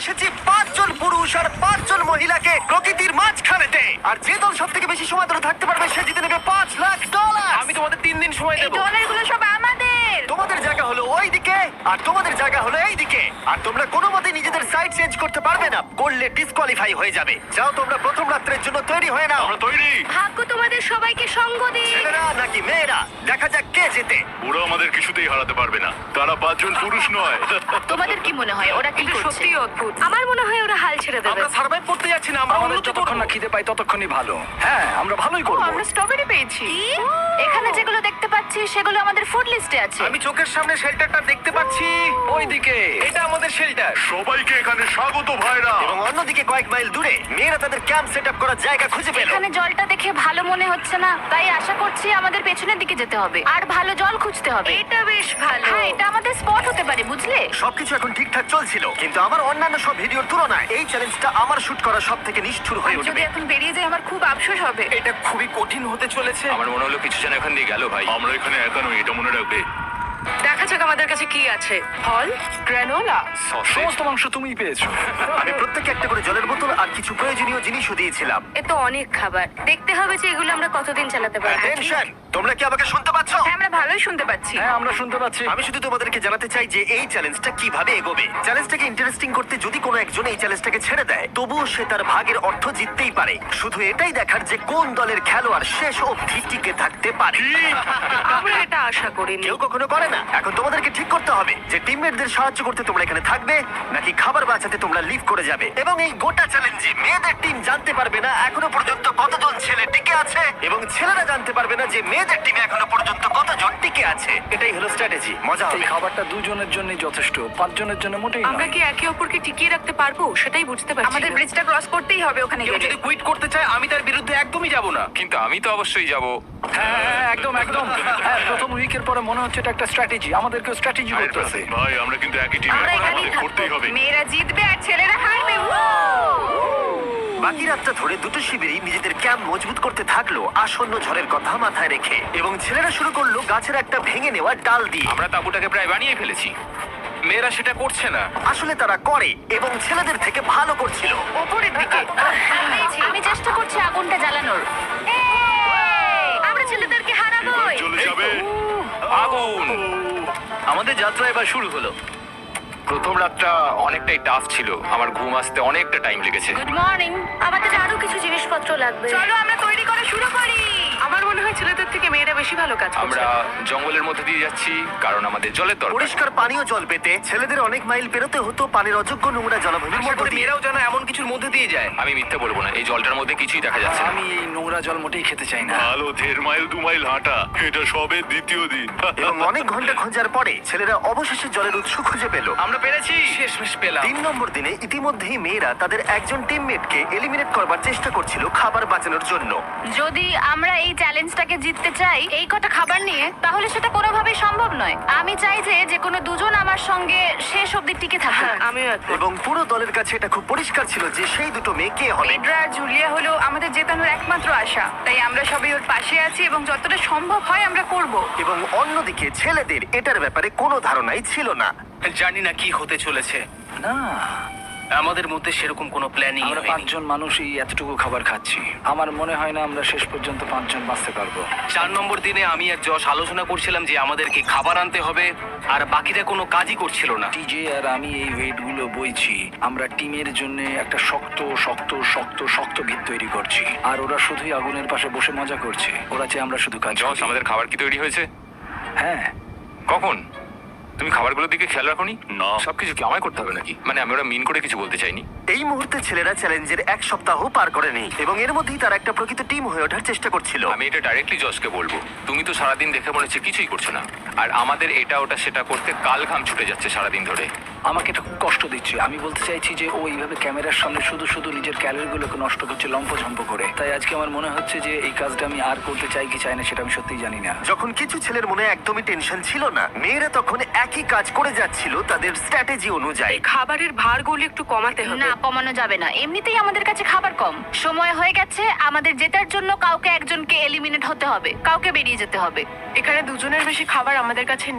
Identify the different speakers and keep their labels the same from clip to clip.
Speaker 1: এসেছি 5 জন পুরুষ আর 5 জন মহিলাকে প্রকৃতির মাঝখানেতে। আর যে দল সব থেকে বেশি সময় ধরে থাকতে পারবে সে জিতে নেবে $5 লাখ।
Speaker 2: আমি তোমাদের 3 দিন সময়
Speaker 3: এই
Speaker 2: দেবো।
Speaker 3: ডলারগুলো সব আমাদের।
Speaker 1: তোমাদের জায়গা হলো ওই দিকে আর তোমাদের জায়গা হলো এই দিকে। আর তোমরা কোনো মতে নিজেদের সাইড চেঞ্জ করতে পারবে না, করলে ডিসকোয়ালিফাই হয়ে যাবে। যাও তোমরা প্রথম রাত্রের জন্য তৈরি হয়ে নাও।
Speaker 4: আমরা তৈরি।
Speaker 3: ভাগ্য তোমাদের সবাইকে সঙ্গ দিন।
Speaker 1: ছেলেরা নাকি মেয়েরা, দেখা যাক কে জেতে।
Speaker 4: ওরা আমাদের কিছুতেই হারাতে পারবে না, তারা 5 জন পুরুষ নয়।
Speaker 3: তোমাদের কি মনে হয় ওরা কি করছে?
Speaker 2: সত্যি অদ্ভুত।
Speaker 3: আমার মনে হয় ওরা হাল ছেড়ে দেবে।
Speaker 2: আমরা সার্ভাইভ করতে যাচ্ছি না, আমরা
Speaker 5: আমাদের
Speaker 2: উন্নতি
Speaker 5: যতক্ষণ
Speaker 2: করব।
Speaker 5: না খিদে পাই ততক্ষণই ভালো। হ্যাঁ, আমরা ভালোই করবো।
Speaker 2: আমরা স্ট্রবেরি পেয়েছি।
Speaker 3: কি? এখানে যেগুলো দেখতে পাচ্ছি সেগুলো আমাদের ফুড লিস্টে আছে।
Speaker 2: আমি চোখের সামনে শেল্টারটা দেখতে পাচ্ছি।
Speaker 5: ওইদিকে
Speaker 2: এটা আমাদের শেল্টার।
Speaker 4: সবাইকে এখানে স্বাগত ভাইরা।
Speaker 1: এবং অন্যদিকে কয়েক মাইল দূরে মেয়েরা তাদের ক্যাম্প সেট আপ করার জায়গা খুঁজে পেল।
Speaker 3: এখানে জলটা দেখে ভালো মনে হচ্ছে না, তাই আশা করছি আমাদের পেছনের দিকে যেতে হবে আর ভালো জল খুঁজতে হবে। এটা বেশ ভালো। হ্যাঁ, এটা আমাদের স্পট হতে পারে, বুঝলে?
Speaker 1: সবকিছু এখন ঠিকঠাক চলছিল, কিন্তু আমার অন্যান্য সব ভিডিওর তুলনায় এই চ্যালেঞ্জটা আমার শুট করা সব থেকে নিষ্ঠুর হয়ে উঠবে।
Speaker 3: এখন বেরিয়ে যাই আমার খুব আফসোস হবে।
Speaker 2: এটা খুবই কঠিন হতে চলেছে।
Speaker 6: আমার মনে হলো কিছু জন এখান দিয়ে গেল ভাই।
Speaker 4: আমরা এখানে একা নই, এটা মনে রাখবে।
Speaker 2: দেখা যাক আমাদের কাছে কি আছে। ফল, গ্রানোলা।
Speaker 5: সমস্ত মাংস তুমিই পেয়েছো।
Speaker 1: আমি প্রত্যেককে একটা করে জলের বোতল আর কিছু প্রয়োজনীয় জিনিসও দিয়েছিলাম।
Speaker 3: এ তো অনেক খাবার। দেখতে হবে যে এগুলো আমরা কতদিন চালাতে পারবো।
Speaker 1: টেনশন, তোমরা কি আমাকে শুনতে পাচ্ছ?
Speaker 3: হ্যাঁ, আমরা ভালোই শুনতে পাচ্ছি।
Speaker 5: হ্যাঁ, আমরা শুনতে পাচ্ছি।
Speaker 1: আমি শুধু তোমাদেরকে জানাতে চাই যে এই চ্যালেঞ্জটা কিভাবে এগোবে। চ্যালেঞ্জটাকে ইন্টারেস্টিং করতে যদি কোনো একজন এই চ্যালেঞ্জটাকে ছেড়ে দেয়, তবুও সে তার ভাগের অর্থ জিততেই পারে। শুধু এটাই দেখার যে কোন দলের খেলোয়াড় শেষ অবধি টিকে থাকতে পারে।
Speaker 2: আমরা এটা আশা করিনি।
Speaker 1: কেউ কখনো করে না। এখন তোমাদেরকে ঠিক করতে হবে যে টিমমেটদের সাহায্য করতে তোমরা এখানে থাকবে নাকি খাবার বাঁচাতে তোমরা লিভ করে যাবে। এবং এই গোটা চ্যালেঞ্জে মেয়েদের টিম জানতে পারবে না এখনো পর্যন্ত কতজন ছেলে টিকে আছে, এবং ছেলেরা জানতে পারবে না যে মেয়েদের টিমে এখনো পর্যন্ত কতজন টিকে আছে। এটাই হলো স্ট্র্যাটেজি। মজা
Speaker 5: এই
Speaker 1: হবে।
Speaker 5: খাবারটা 2 জনের জন্যই যথেষ্ট, 5 জনের জন্য মোটেই
Speaker 2: আমরা
Speaker 5: নয়।
Speaker 2: কি একে অপরকে টিকিয়ে রাখতে পারবো সেটাই বুঝতে পারছি।
Speaker 3: আমাদের ব্রিজটা ক্রস করতেই হবে ওখানে
Speaker 2: কেউ
Speaker 3: গেলে।
Speaker 2: যদি কুইট করতে চায় আমি তার বিরুদ্ধে একদমই যাব না।
Speaker 6: কিন্তু আমি তো অবশ্যই যাব।
Speaker 5: হ্যাঁ, হ্যাঁ, একদম একদম। হ্যাঁ, প্রথম উইকের পরে মনে হচ্ছে এটা একটা স্ট্র্যাটেজি। আমাদেরকেও স্ট্র্যাটেজি করতে হবে।
Speaker 4: ভাই আমরা কিন্তু একই টিমে,
Speaker 3: আমরা এখানেই
Speaker 4: আমাদের করতেই
Speaker 3: থাকবো।
Speaker 4: হবে।
Speaker 3: মেয়েরা জিতবে আর ছেলেরা হারবে।
Speaker 1: বাকি রাতটা ধরে দুটো শিবিরই নিজেদের ক্যাম্প মজবুত করতে থাকলো আসন্ন ঝড়ের কথা মাথায় রেখে, এবং ছেলেরা শুরু করলো গাছের একটা ভেঙে নেওয়া ডাল দিয়ে।
Speaker 6: আমরা তাঁবুটাকে প্রায় বানিয়ে ফেলেছি।
Speaker 2: মেয়েরা সেটা করছে না।
Speaker 1: আসলে তারা করে এবং ছেলেদের থেকে ভালো করছিল।
Speaker 3: ওপরের দিকে। আমি চেষ্টা করছি আগুনটা জ্বালানোর। এই, আমরা ছেলেদেরকে হারাবোই।
Speaker 4: চলে যাবে।
Speaker 6: আগুন!
Speaker 2: আমাদের যাত্রা এবার শুরু হলো।
Speaker 6: প্রথম রাতটা অনেকটাই টাফ ছিল, আমার ঘুম আসতে অনেকটা টাইম লেগেছে।
Speaker 3: Good morning. আমাদের আরো কিছু জিনিসপত্র লাগবে। চলো আমরা তৈরি করা শুরু করি।
Speaker 2: আমার মনে হয় ছেলেদের থেকে মেয়েরা বেশি ভালো কাজ করছে।
Speaker 6: আমরা জঙ্গলের মধ্যে দিয়ে যাচ্ছি কারণ আমাদের জলের দরকার।
Speaker 1: পরিষ্কার পানীয় জল পেতে ছেলেদের অনেক মাইল পেরোতে হতো পানির অযোগ্য নোংরা জলাভূমির
Speaker 2: আশা
Speaker 1: মধ্যে
Speaker 2: করি
Speaker 1: দিয়ে।
Speaker 2: মেয়েরাও যেন এমন কিছুর মধ্যে দিয়ে যায়।
Speaker 6: আমি মিথ্যে বলবো না, এই জলটার মধ্যে কিছুই দেখা যাচ্ছে না।
Speaker 5: আমি এই নোংরা জল মোটেই খেতে চাই না।
Speaker 4: ভালো 1.5 মাইল 2 মাইল হাঁটা, এটা সবে দ্বিতীয় দিন।
Speaker 1: এবং অনেক ঘন্টা খোঁজার পরে ছেলেরা অবশেষে জলের উৎস খুঁজে পেল।
Speaker 2: আমরা পেরেছি, শেষমেশ পেলাম।
Speaker 1: 3 নম্বর দিনে ইতিমধ্যেই মেয়েরা তাদের একজন টিমমেটকে এলিমিনেট করবার চেষ্টা করছিল খাবার বাঁচানোর জন্য।
Speaker 3: যদি আমরা এই চ্যালেঞ্জটাকে জিততে চাই এই কটা খাবার নিয়ে, তাহলে সেটা কোনোভাবেই সম্ভব নয়। আমি চাই যে কোনো দুজন আমার সঙ্গে শেষ অবধি টিকে থাকুক।
Speaker 2: হ্যাঁ, আমিও একমত।
Speaker 1: এবং পুরো দলের কাছে এটা খুব পরিষ্কার ছিল যে সেই দুটো মেয়ে কে হবে।
Speaker 3: পেড্রা আর জুলিয়া হলো আমাদের জেতানোর একমাত্র আশা, তাই আমরা সবাই ওর পাশে আছি এবং যতটা সম্ভব হয় আমরা করব।
Speaker 1: এবং অন্যদিকে ছেলেদের এটার ব্যাপারে কোনো ধারণাই ছিল না।
Speaker 2: জানি না কি হতে চলেছে।
Speaker 5: না,
Speaker 2: আমাদের মধ্যে সেরকম কোনো প্ল্যানিং
Speaker 5: আমরা 5 জন মানুষই এতটুকু খাবার খাচ্ছি। আমার মনে হয় না আমরা শেষ পর্যন্ত 5 জন বাঁচতে পারবো।
Speaker 2: 4 নম্বর দিনে আমি আর যশ আলোচনা করছিলাম যে আমাদেরকে খাবার আনতে হবে, আর বাকিরা কোনো কাজই করছিল না।
Speaker 5: টিজে আর আমি এই ওয়েটগুলো বইছি। আমরা টিমের জন্য একটা শক্ত শক্ত শক্ত শক্ত ভিত তৈরি করছি, আর ওরা শুধুই আগুনের পাশে বসে মজা করছে। ওরা চেয়ে আমরা শুধু কাজ
Speaker 6: জস,
Speaker 5: করি।
Speaker 6: আমাদের খাবার কি তৈরি হয়েছে?
Speaker 5: হ্যাঁ,
Speaker 6: কখন? তুমি খাবারগুলোর দিকে খেয়াল রাখোনি?
Speaker 4: না।
Speaker 6: সবকিছু কি আমায় করতে হবে নাকি? মানে আমি ওরা মিন করে কিছু বলতে চাইনি।
Speaker 1: এই মুহূর্তে ছেলেরা চ্যালেঞ্জের 1 সপ্তাহ পার করেনি এবং এর মধ্যেই তারা একটা প্রকৃত টিম হয়ে ওঠার চেষ্টা করছিল।
Speaker 6: আমি এটা ডাইরেক্টলি জসকে বলবো। তুমি তো সারাদিন দেখে মনে হচ্ছে কিছুই করছো না, আর আমাদের এটা ওটা সেটা করতে কাল ঘাম ছুটে যাচ্ছে সারাদিন ধরে।
Speaker 5: আমাকে এটা খুব কষ্ট দিচ্ছে। আমি বলতে চাইছি যে ও এইভাবে ক্যামেরার সামনে শুধু শুধু নিজের ক্যালোরিগুলোকে নষ্ট করছে লম্পঝম্প করে। তাই আজকে আমার মনে হচ্ছে যে এই কাজটা আমি আর করতে চাই কি চাই না সেটা আমি সত্যিই জানি না।
Speaker 1: যখন কিছু ছেলের মনে একদমই টেনশন ছিল না, মেয়েরা তখন একই কাজ করে যাচ্ছিল তাদের স্ট্র্যাটেজি অনুযায়ী।
Speaker 2: খাবারের ভারগুলো একটু কমাতে হবে।
Speaker 3: না, কমানো যাবে না। এমনিতেই আমাদের কাছে খাবার কম। সময় হয়ে গেছে আমাদের জেতার জন্য। কাউকে একজনকে এলিমিনেট হতে হবে, কাউকে বেরিয়ে যেতে হবে।
Speaker 2: এখানে 2 জনের বেশি খাবার আমাদের কাছে নেই।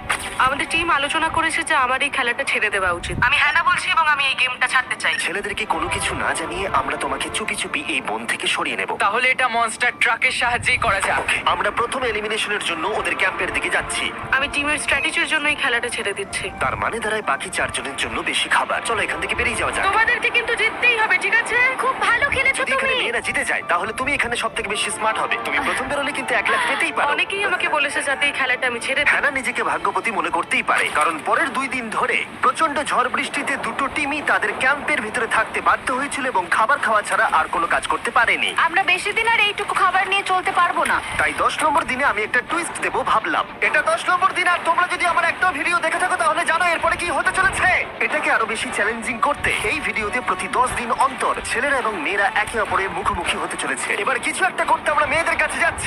Speaker 7: আমাদের টিম আলোচনা করেছে যে আমার এই খেলাটা ছেড়ে দেওয়া উচিত। আমি হ্যাঁ না বলছি এবং আমি এই গেমটা ছাড়তে চাই।
Speaker 1: ছেলেদেরকে কোনো কিছু না জানিয়ে আমরা তোমাকে চুপি চুপি এই বন থেকে সরিয়ে নেব।
Speaker 6: তাহলে এটা মনস্টার ট্রাকের সাহায্যেই করা যাক।
Speaker 1: আমরা প্রথম এলিমিনেশনের জন্য ওদের ক্যাম্পের দিকে যাচ্ছি।
Speaker 7: আমি টিমের স্ট্র্যাটেজির জন্য এই খেলাটা ছেড়ে দিচ্ছি।
Speaker 1: তার মানে দাঁড়ায় বাকি 4 জনের জন্য বেশি খাবার। চলো এখান থেকে বেরিয়ে যাওয়া যাক।
Speaker 7: তোমাদেরকে কিন্তু জিততেই হবে, ঠিক আছে?
Speaker 3: খুব ভালো খেলেছো
Speaker 1: যদি এখানে
Speaker 3: তুমি।
Speaker 1: মেয়েরা জিতে যায় তাহলে তুমি এখানে সব থেকে বেশি স্মার্ট হবে। তুমি প্রথম বেরোলে কিন্তু 1 লাখ পেতেই পারো।
Speaker 7: অনেকেই আমাকে বলেছে যাতে এই খেলাটা আমি ছেড়ে দিই।
Speaker 1: হ্যানা নিজেকে ভাগ্যবতী মনে করতেই পারে, কারণ পরের 2 দিন ধরে প্রচন্ড ঝড় বৃষ্টিতে দুটো টিমই তাদের ক্যাম্পের ভিতরে থাকতে বাধ্য হয়েছিল এবং খাবার খাওয়া ছাড়া আর কোনো কাজ করতে পারেনি।
Speaker 3: আমরা বেশি দিন আর এইটুকু খাবার নিয়ে চলতে পারবো না।
Speaker 1: তাই 10 নম্বর দিনে আমি একটা টুইস্ট দেবো ভাবলাম। এটা 10 নম্বর দিন, আর তোমরা যদি আমার একটা ভিডিও দেখে থাকো তাহলে জানো এরপরে কি হতে চলেছে। এটাকে আরো বেশি চ্যালেঞ্জিং করতে এই ভিডিওতে প্রতি 10 দিন অন্তর ছেলেরা এবং মেয়েরা একে অপরের মুখোমুখি হতে চলেছে। এবার কিছু একটা করতে আমরা মেয়েদের কাছে যাচ্ছি।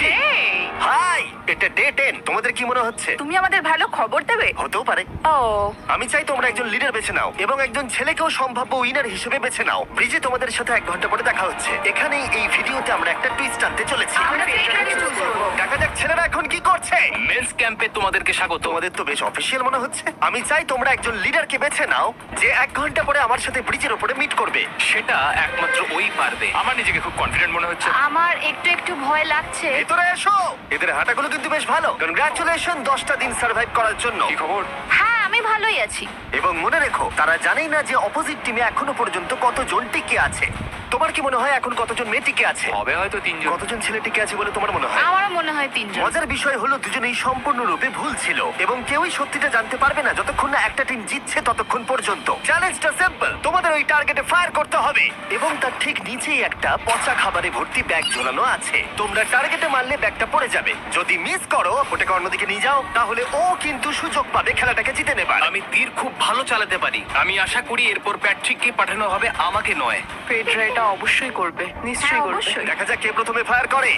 Speaker 1: হাই, এটা ডে 10। তোমাদের কি মনে হচ্ছে?
Speaker 3: তুমি আমাদের ভালো খবর দেবে।
Speaker 1: হতেও পারে।
Speaker 3: ও,
Speaker 1: আমি চাই তোমরা একজন লিডার বেছে নাও এবং একজন ছেলেকেও সম্ভাব্য উইনার হিসেবে বেছে নাও। ব্রিজে তোমাদের সাথে 1 ঘন্টা পরে দেখা হচ্ছে। এখানেই এই ভিডিওতে আমরা একটা টুইস্ট আনতে চলেছি।
Speaker 3: আমরা তো এখানে চুজ করবো।
Speaker 1: দেখা যাক ছেলেরা এখন কি করছে।
Speaker 2: মেন্স ক্যাম্পে তোমাদেরকে স্বাগত।
Speaker 1: তোমাদের তো বেশ অফিসিয়াল মনে হচ্ছে। আমি চাই তোমরা একজন লিডারকে বেছে নাও যে 1 ঘন্টা পরে আমার সাথে ব্রিজের উপরে মিট করবে।
Speaker 2: সেটা একমাত্র ওই পারবে।
Speaker 6: আমার নিজেকে খুব কনফিডেন্ট মনে হচ্ছে।
Speaker 3: আমার একটু একটু ভয় লাগছে।
Speaker 1: ভিতরে এসো। এদের হাঁটাগুলো কিন্তু বেশ ভালো। কনগ্রাচুলেশন 10টা দিন সার্ভাইভ করার জন্য।
Speaker 6: কি খবর?
Speaker 3: হ্যাঁ, আমি ভালোই আছি।
Speaker 1: এবং মনে রেখো, তারা জানেই না যে অপোজিট টিমে এখনো পর্যন্ত কতজন টিকে আছে। তোমার কি মনে হয় এখন কতজন মেয়ে টিকে আছে?
Speaker 6: হবে হয়তো 3 জন।
Speaker 1: কতজন ছেলে টিকে আছে বলে তোমার মনে হয়?
Speaker 3: আমারও মনে হয় 3 জন।
Speaker 1: মজার বিষয় হলো দুজনেই সম্পূর্ণরূপে ভুল ছিল এবং কেউই সত্যিটা জানতে পারবে না যতক্ষণ না একটা টিম জিতছে ততক্ষণ পর্যন্ত। চ্যালেঞ্জটা সিম্পল, তোমাদের ওই টার্গেটে ফায়ার করতে হবে এবং তার ঠিক নিচেই একটা পচা খাবারে ভর্তি ব্যাগ ঝোলানো আছে। তোমরা টার্গেটে মারলে ব্যাগটা পড়ে যাবে। যদি মিস করো, ওটাকে অন্যদিকে নিয়ে যাও, তাহলে ও কিন্তু সুযোগ পাবে খেলাটাকে জিতে নেবার।
Speaker 2: আমি তীর খুব ভালো চালাতে পারি। আমি আশা করি এরপর প্যাট্রিককে পাঠানো হবে, আমাকে নয়।
Speaker 7: পেড্রা এটা অবশ্যই করবে, নিশ্চয়ই
Speaker 3: হ্যাঁ,
Speaker 7: করবে।
Speaker 3: অবশ্যই।
Speaker 1: দেখা যাক কে প্রথমে ফায়ার করে।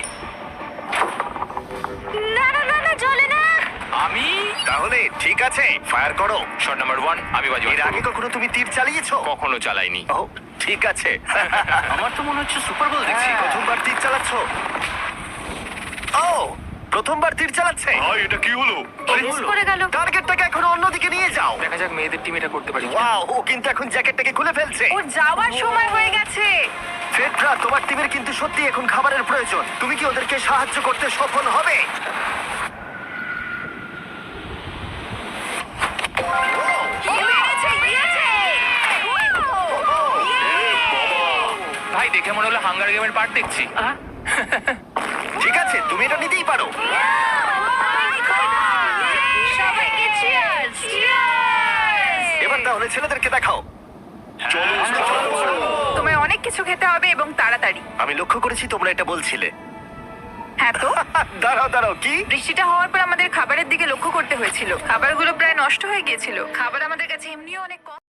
Speaker 3: না না না না, চলে না।
Speaker 6: আমি
Speaker 1: তাহলে ঠিক আছে, ফায়ার করো।
Speaker 6: শট নাম্বার 1 আমি বাজি
Speaker 1: এর আগে কখনো তুমি তীর চালিয়েছো?
Speaker 6: কখনো চালাইনি।
Speaker 1: ও, ঠিক আছে।
Speaker 2: আমার তো মনে হচ্ছে সুপার বল দেখছি।
Speaker 1: প্রথমবার তীর চালাচ্ছ? ও, প্রথমবার তীর চালাচ্ছে।
Speaker 4: ভাই এটা কি হলো?
Speaker 3: মিস করে গেল।
Speaker 1: টার্গেটটাকে এখন অন্যদিকে নিয়ে যাও।
Speaker 6: দেখা যাক মেয়েদের টিম এটা করতে পারি কিনা।
Speaker 1: ওয়াও, ও কিন্তু এখন জ্যাকেটটাকে খুলে ফেলছে।
Speaker 3: ওর যাওয়ার সময় হয়ে গেছে।
Speaker 1: ফেডরা, তোমার টিমের কিন্তু সত্যি এখন খাবারের প্রয়োজন। তুমি কি ওদেরকে সাহায্য করতে সফল হবে?
Speaker 3: পেরেছে, পেরেছে।
Speaker 6: ভাই দেখে মনে হলো হাঙ্গার গেমের পার্ট দেখছি।
Speaker 1: ঠিক আছে, তুমি এটা নিতেই পারো।
Speaker 3: সবাইকে cheers, cheers!
Speaker 1: এবার তাহলে ছেলেদেরকে দেখাও।
Speaker 3: তোমায় অনেক কিছু খেতে হবে এবং তাড়াতাড়ি।
Speaker 1: আমি লক্ষ্য করেছি তোমরা এটা বলছিলে।
Speaker 3: হ্যাঁ তো,
Speaker 1: দাঁড়াও দাঁড়াও, কি?
Speaker 3: বৃষ্টিটা হওয়ার পর আমাদের খাবারের দিকে লক্ষ্য করতে হয়েছিল। খাবারগুলো প্রায় নষ্ট হয়ে গিয়েছিল। খাবার আমাদের কাছে এমনিও অনেক কম।